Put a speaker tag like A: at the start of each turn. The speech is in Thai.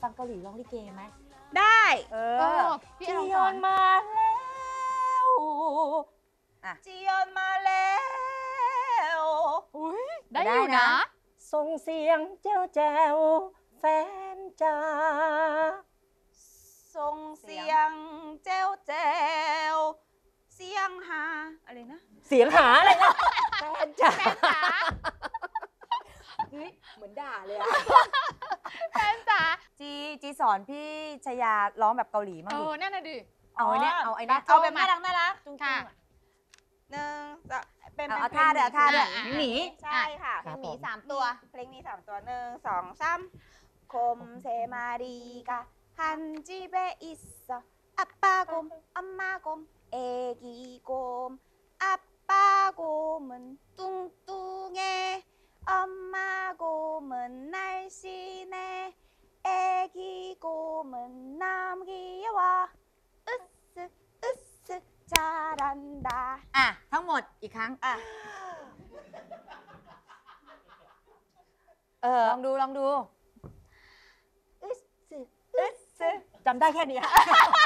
A: ฟังเกาหลีร้องลิเกไหม
B: ได้
A: พี่จียอนมาแล้วจียอนมาแล้ว
C: ได้อยู่นะ
A: ส่งเสียงแจ้วแจ้วแฟนจ้าส่งเสียงแจ้วแจ้วเสียงหาอะไรนะเสียงหาอะไรนะแฟนจ้าเฮ้ยเหมือนด่าเลยอะ
C: แฟนจ๋า
A: จีสอนพี่ชยาร้องแบบเกาหลีมั้งดิ
C: นั่นน่ะดิ
A: เอาไอ้เนี่ยเอาแบบน่ารักจุ้งๆหนึ่งเป็นเอาท่าเด้อท่าเด้อหมีใช่ค่ะ
B: เพลงหมี3 ตัว
A: เพลงมี3 ตัว1 2 3곰3 마리가 한 집에 있어 아빠 곰 엄마 곰 애기 곰 아빠 곰은 뚱뚱해 엄마 곰은 날씬해 애기 곰은 너무 귀여워 으쓱 으쓱 잘한다 ทั้งหมดอีกครั้งลองดูอึ๊สจำได้แค่นี้